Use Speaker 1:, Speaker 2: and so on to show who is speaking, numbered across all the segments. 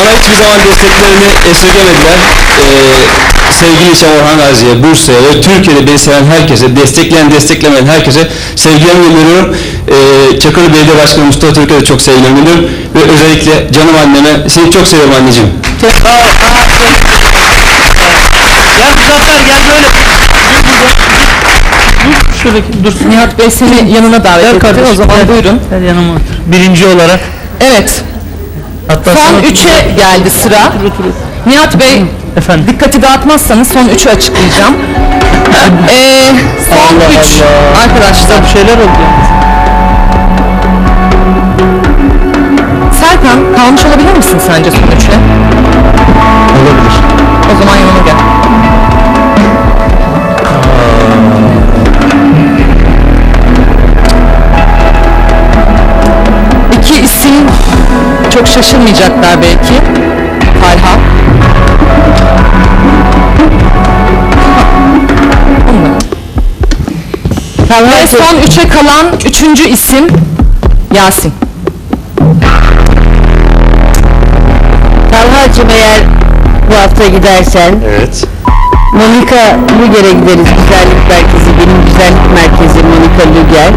Speaker 1: Bana hiçbir zaman desteklerini esirgemediler. Sevgili İsem Orhan Gazi'ye, Bursa'ya ve Türkiye'de beni seven herkese, desteklemeyen herkese sevgilerimi gönderiyorum. Çakırlı Belediye Başkanı Mustafa Türk'e de çok sevgilerimi gönderiyorum. Ve özellikle canım anneme, seni çok seviyorum anneciğim.
Speaker 2: Çok sağ ol. Gel Muzaffer, gel böyle. Dur şuradaki, dur.
Speaker 3: Nihat Bey seni yanına davet etti. O zaman buyurun.
Speaker 2: Gel yanıma otur. Birinci olarak.
Speaker 3: Evet.
Speaker 2: Hatta
Speaker 3: Son 3'e geldi sıra. Nihat Bey,
Speaker 2: efendim.
Speaker 3: dikkati dağıtmazsanız son 3'ü açıklayacağım. Son 3 arkadaşlar.
Speaker 2: Bir şeyler oldu yani.
Speaker 3: Serkan, kalmış olabilir misin sence son 3'e?
Speaker 1: Olabilir.
Speaker 3: O zaman yanıma gel. İki isim çok şaşırmayacaklar belki. Talha. Ve son 3'e kalan 3. isim Yasin.
Speaker 4: Talha'cığım, eğer bu hafta gidersen
Speaker 1: Evet.
Speaker 4: Monika Luger'e gideriz. Güzellik merkezi, benim güzellik merkezi Monika Luger.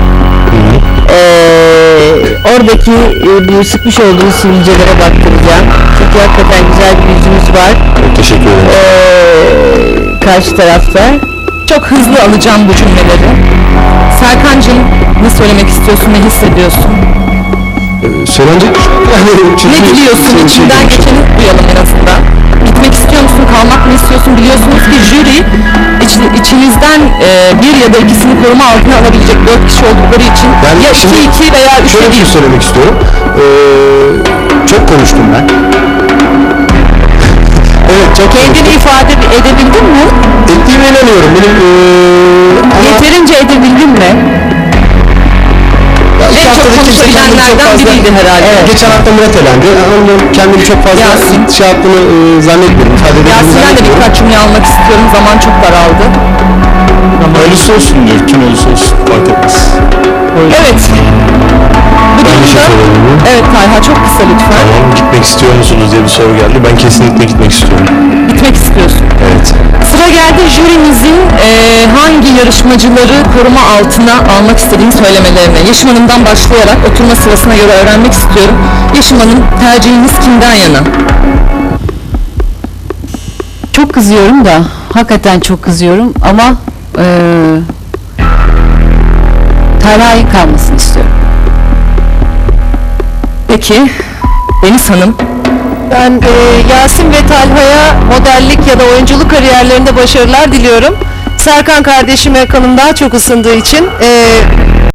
Speaker 4: Oradaki bu sıkmış olduğunuz sivilcelere baktıracağım. Çünkü hakikaten güzel bir yüzünüz var.
Speaker 1: Çok teşekkür ederim.
Speaker 4: Karşı tarafta.
Speaker 3: Çok hızlı alacağım bu cümleleri. Serkancığım, ne söylemek istiyorsun, ne hissediyorsun?
Speaker 1: Söylenecek
Speaker 3: Ne biliyorsun, içinden geçeni duyalım en azından. Gitmek istiyor musun, kalmak mı istiyorsun? Biliyorsunuz ki jüri içinizden bir ya da ikisini koruma altına alabilecek 4 kişi oldukları için
Speaker 1: Ben
Speaker 3: ya
Speaker 1: şimdi
Speaker 3: 2-2 veya 3'e
Speaker 1: şöyle bir şey
Speaker 3: 1.
Speaker 1: söylemek istiyorum. Çok konuştum ben. Evet, çok
Speaker 4: Kendini ifade edebildin mi?
Speaker 1: ettiğime inanıyorum. Benim
Speaker 4: Yeterince edebildin mi?
Speaker 3: En çok konuşabilenlerden biriydi herhalde.
Speaker 4: Evet.
Speaker 1: Geçen hafta Murat elendi. Onun kendimi çok fazla
Speaker 3: Yasin.
Speaker 1: şey yaptığını zannetmiyorum. İfade edildiğini
Speaker 3: Yasin'den de
Speaker 1: zannetmiyorum.
Speaker 3: birkaç cümle almak istiyorum. Zaman çok daraldı.
Speaker 1: Hayırlısı olsun diyor. Kim olursa olsun. Fark etmez.
Speaker 3: Evet. Bu durumda... Evet Talha, çok kısa lütfen.
Speaker 1: Tamam, gitmek istiyor musunuz diye bir soru geldi. Ben kesinlikle gitmek istiyorum.
Speaker 3: Gitmek istiyorsun.
Speaker 1: Evet.
Speaker 3: Sıra geldi jürimizin hangi yarışmacıları koruma altına almak istediğini söylemelerine. Yeşim Hanım'dan başlayarak oturma sırasına göre öğrenmek istiyorum. Yeşim Hanım, tercihiniz kimden yana?
Speaker 4: Çok kızıyorum da, hakikaten çok kızıyorum ama Talha'yı kalmasını istiyorum.
Speaker 3: Peki, Deniz Hanım.
Speaker 5: Ben Yasin ve Talha'ya modellik ya da oyunculuk kariyerlerinde başarılar diliyorum. Serkan kardeşime kanım daha çok ısındığı için